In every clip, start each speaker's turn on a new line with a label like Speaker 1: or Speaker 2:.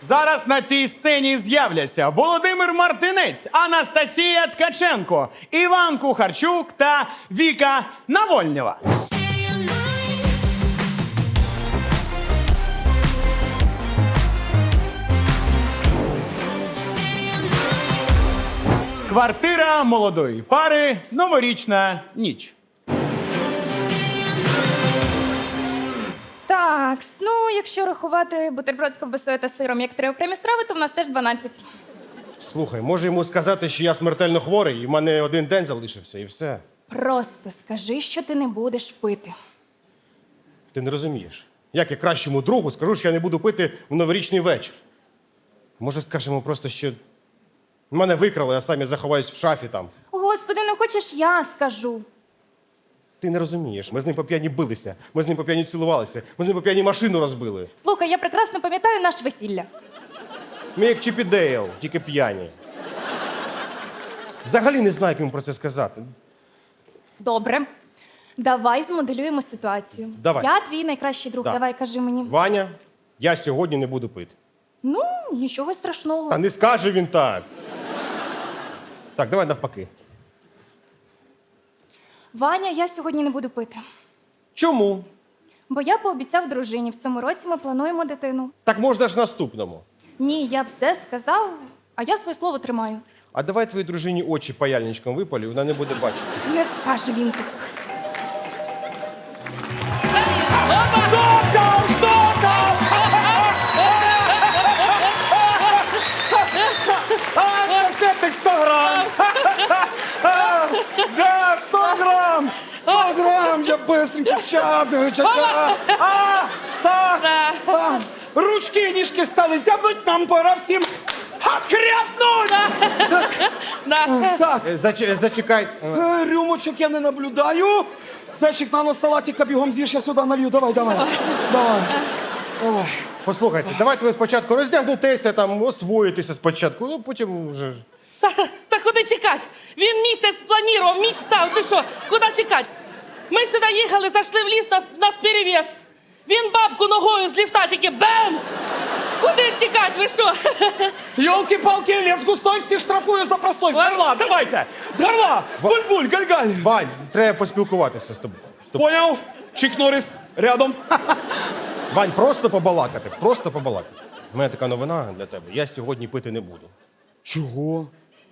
Speaker 1: Зараз на цій сцені з'являться Володимир Мартинець, Анастасія Ткаченко, Іван Кухарчук та Віка Навольнєва. Квартира молодої пари. Новорічна ніч.
Speaker 2: Так, ну, якщо рахувати бутерброд з ковбасою та сиром як 3 окремі страви, то в нас теж 12.
Speaker 3: Слухай, може йому сказати, що я смертельно хворий, і в мене 1 день залишився, і все.
Speaker 2: Просто скажи, що ти не будеш пити.
Speaker 3: Ти не розумієш. Як я кращому другу скажу, що я не буду пити в новорічний вечір? Може, скажемо просто, що мене викрали, а самі заховаюсь в шафі там.
Speaker 2: Господи, ну хочеш я скажу?
Speaker 3: Ти не розумієш. Ми з ним по п'яні билися, ми з ним по п'яні цілувалися, ми з ним по п'яні машину розбили.
Speaker 2: Слухай, я прекрасно пам'ятаю наше весілля.
Speaker 3: Ми як Чіп і Дейл, тільки п'яні. Взагалі не знаю, як йому про це сказати.
Speaker 2: Добре. Давай змоделюємо ситуацію.
Speaker 3: Давай.
Speaker 2: Я твій найкращий друг,
Speaker 3: Да.
Speaker 2: давай кажи мені.
Speaker 3: Ваня, я сьогодні не буду пити.
Speaker 2: Ну, нічого страшного.
Speaker 3: Та не скаже він так. Так, давай навпаки.
Speaker 2: Ваня, я сьогодні не буду пити.
Speaker 3: Чому?
Speaker 2: Бо я пообіцяв дружині, в цьому році ми плануємо дитину.
Speaker 3: Так можна ж наступному.
Speaker 2: Ні, я все сказав, а я своє слово тримаю.
Speaker 3: А давай твоїй дружині очі паяльничком випалю, вона не буде бачити.
Speaker 2: Не скаже він так.
Speaker 1: Септик 100 грам! Да, 100 грам! 100 грам! Я быстренько сейчас чекаю. Так! Ручки, ніжки стали зябнуть, нам пора всім хряпнуть! Так,
Speaker 3: Зачекай.
Speaker 1: рюмочок я не наблюдаю. Зайчик, на салатика бігом з'їж, я сюди налью. Давай. Давай.
Speaker 3: Послухайте, давайте ви спочатку роздягнетеся, там, освоїтеся спочатку, ну потім вже.
Speaker 4: Та куди чекати? Він місяць планував, мечтав. Ти що, куди чекати? Ми сюди їхали, зайшли в ліс, нас перевіз. Він бабку ногою з ліфта тільки бем! Куди ж чекати, ви що?
Speaker 1: Ёлки-палки, лес густой, всіх штрафую за простой. З горла, давайте! З горла! Буль-буль, галь-галь!
Speaker 3: Вань, треба поспілкуватися з тобою.
Speaker 1: Понял? Чик Норрис рядом.
Speaker 3: Вань, просто побалакати, просто побалакати. У мене така новина для тебе. Я сьогодні пити не буду.
Speaker 1: Чого?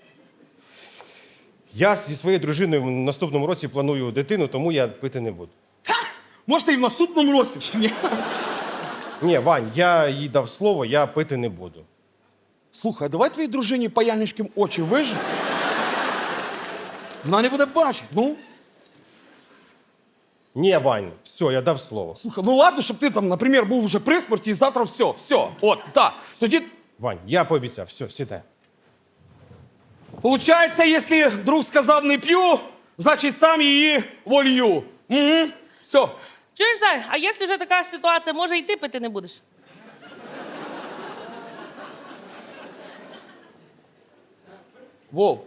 Speaker 3: Я зі своєю дружиною в наступному році планую дитину, тому я пити не буду.
Speaker 1: Може, і в наступному році, чи ні?
Speaker 3: Ні, Вань, я їй дав слово, я пити не буду.
Speaker 1: Слухай, давай твоїй дружині паяльничком очі вижи. Вона не буде бачити, ну.
Speaker 3: Ні, Вань, все, я дав слово.
Speaker 1: Слухай, ну ладно, щоб ти там, наприклад, був вже при смерті і завтра все. От, так. Тоді,
Speaker 3: Вань, я пообіцяв, все, сідай.
Speaker 1: получається, якщо друг сказав не п'ю, значить сам її волью. Угу. Все.
Speaker 4: Чуєш, Зай, а якщо вже така ситуація, може і ти пити не будеш?
Speaker 1: Вов.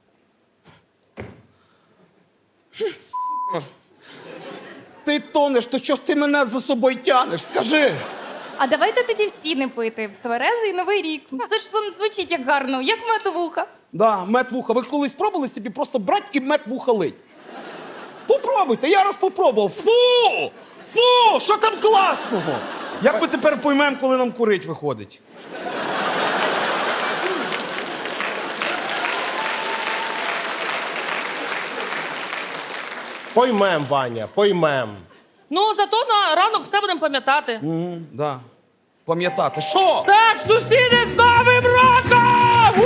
Speaker 1: Ти тонеш, то чого ж ти мене за собою тянеш? Скажи.
Speaker 2: А давайте тоді всі не пити. Тверезий Новий рік. Це ж воно звучить як гарно, як метовуха.
Speaker 1: Да, мед вуха. Ви колись пробували собі просто брати і мед вуха лить? Попробуйте, я раз попробував. Фу! Фу! Що там класного? Як ми тепер поймемо, коли нам курить виходить?
Speaker 3: Поймем, Ваня, поймем.
Speaker 4: Ну, зато на ранок все будемо пам'ятати.
Speaker 1: Да. Пам'ятати. Що?
Speaker 4: Так, сусіди, з Новим роком!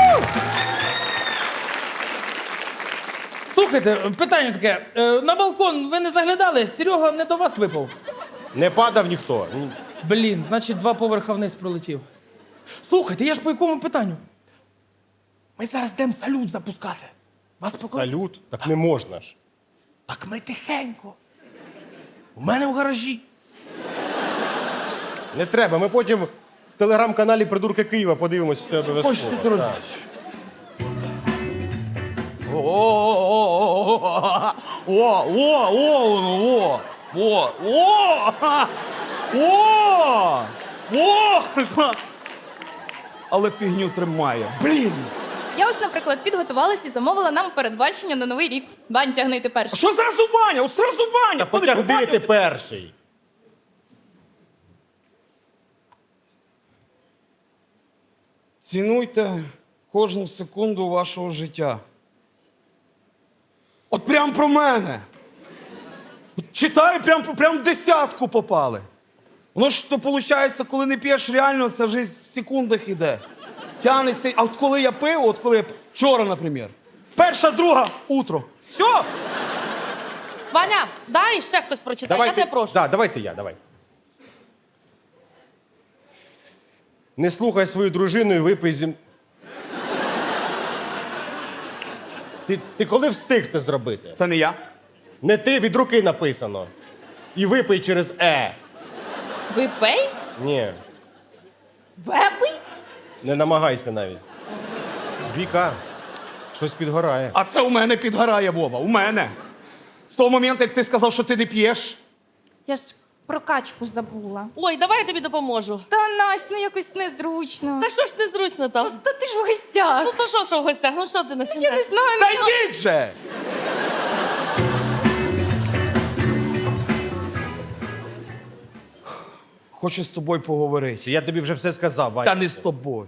Speaker 5: Слухайте, питання таке. На балкон ви не заглядали? Серега не до вас випав.
Speaker 3: Не падав ніхто.
Speaker 5: Блін, значить 2 поверха вниз пролетів. Слухайте, я ж по якому питанню? Ми зараз йдемо салют запускати. Вас покладуть?
Speaker 3: Салют? Так не можна ж.
Speaker 5: Так ми тихенько. У мене в гаражі.
Speaker 3: Не треба, ми потім в телеграм-каналі «Придурки Києва» подивимось все обов'язково.
Speaker 5: Ось, Петро
Speaker 3: Так.
Speaker 1: але фігню тримає. Блін!
Speaker 2: Я ось, наприклад, підготувалась і замовила нам передбачення на Новий рік. Бань, тягни ти
Speaker 1: А
Speaker 2: перший.
Speaker 1: що зразу Ваня? От зразу Ваня!
Speaker 3: Та потягни ти перший.
Speaker 1: Цінуйте кожну секунду вашого життя. От прям про мене. От читаю, прям в десятку попали. Воно ж то виходить, коли не п'єш реально, це вже в секундах іде. Тянеться. А от коли я пив, вчора, наприклад. Перша, друга, утро. Все.
Speaker 4: Ваня, дай ще хтось прочитає, я тебе прошу.
Speaker 3: Да, давайте я, давай. Не слухай свою дружину і випий зі... Ти коли встиг це зробити?
Speaker 1: Це не я.
Speaker 3: Не ти, від руки написано. І випий через «е».
Speaker 2: Випей?
Speaker 3: Ні,
Speaker 2: Вепий?
Speaker 3: не намагайся навіть. Віка, щось підгорає.
Speaker 1: А це у мене підгорає, Вова. У мене. З того моменту, як ти сказав, що ти не п'єш.
Speaker 2: Я ж про качку забула.
Speaker 4: Ой, давай я тобі допоможу.
Speaker 2: Та, Настя, ну якось незручно.
Speaker 4: Та що ж незручно там?
Speaker 2: Та ти ж в гостях.
Speaker 4: Ну то що в гостях? Ну що ти
Speaker 2: Я не
Speaker 4: починаєш?
Speaker 2: знаю.
Speaker 1: Та
Speaker 2: ну,
Speaker 1: йдіть же! Хочу з тобою поговорити.
Speaker 3: Я тобі вже все сказав, Ваня.
Speaker 1: Та не з тобою.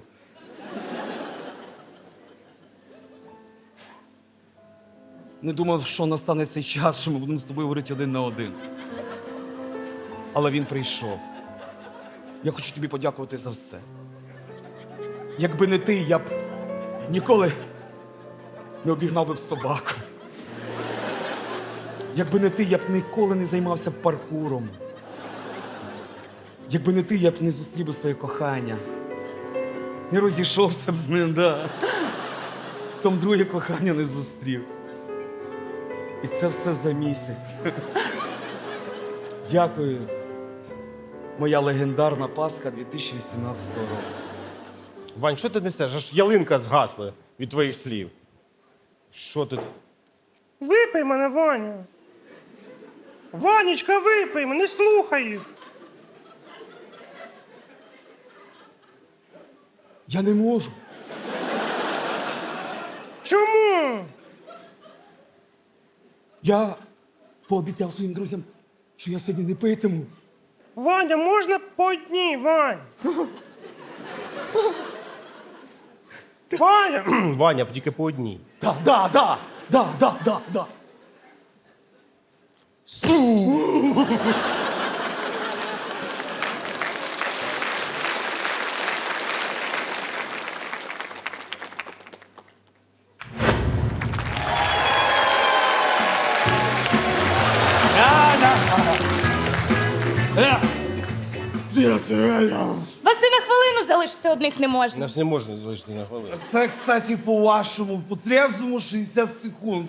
Speaker 1: Не думав, що настане цей час, що ми будемо з тобою говорити один на один. Але він прийшов. Я хочу тобі подякувати за все. Якби не ти, я б ніколи не обігнав би б собаку. Якби не ти, я б ніколи не займався паркуром. Якби не ти, я б не зустрів би своє кохання. Не розійшовся б з ним, да. Том друге кохання не зустрів. І це все за місяць. Дякую. Моя легендарна Пасха 2018 року.
Speaker 3: Вань, що ти несеш? Аж ялинка згасла від твоїх слів. Що тут?
Speaker 6: Випий мене, Ваня. Ванечка, випий мене, не слухай їх.
Speaker 1: Я не можу.
Speaker 6: Чому?
Speaker 1: Я пообіцяв своїм друзям, що я сьогодні не питиму.
Speaker 6: Ваня, можна по одній, Вань? Ваня!
Speaker 3: Ваня, тільки по одній.
Speaker 1: Да.
Speaker 2: Вас і на хвилину залишити одних не можна.
Speaker 3: Нас не можна залишити на хвилину.
Speaker 1: Це, кстати, по-вашому, по-трезвому 60 секунд.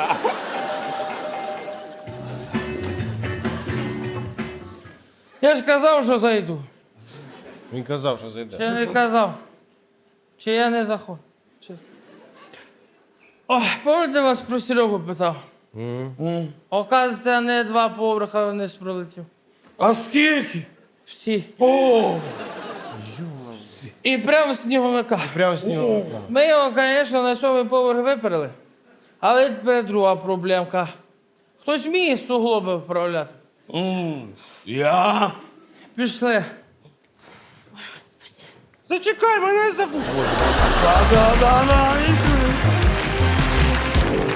Speaker 5: Я ж казав, що зайду.
Speaker 3: Він казав, що зайде.
Speaker 5: Я не казав. Чи я не заходжу. Чи... Ой, пам'ятаєте, вас про Серегу питав? Оказується, не 2 поверха вниз пролетів.
Speaker 1: А скільки?
Speaker 5: Всі.
Speaker 1: О!
Speaker 5: І прямо з сніговика.
Speaker 3: Прямо з нього.
Speaker 5: Ми його, звісно, на 7-й поверх виперли. Але тепер друга проблемка. Хтось вміє суглоби вправляти.
Speaker 1: Я?
Speaker 5: Пішли.
Speaker 6: Зачекай, мене забув.
Speaker 1: Да-да-да-да.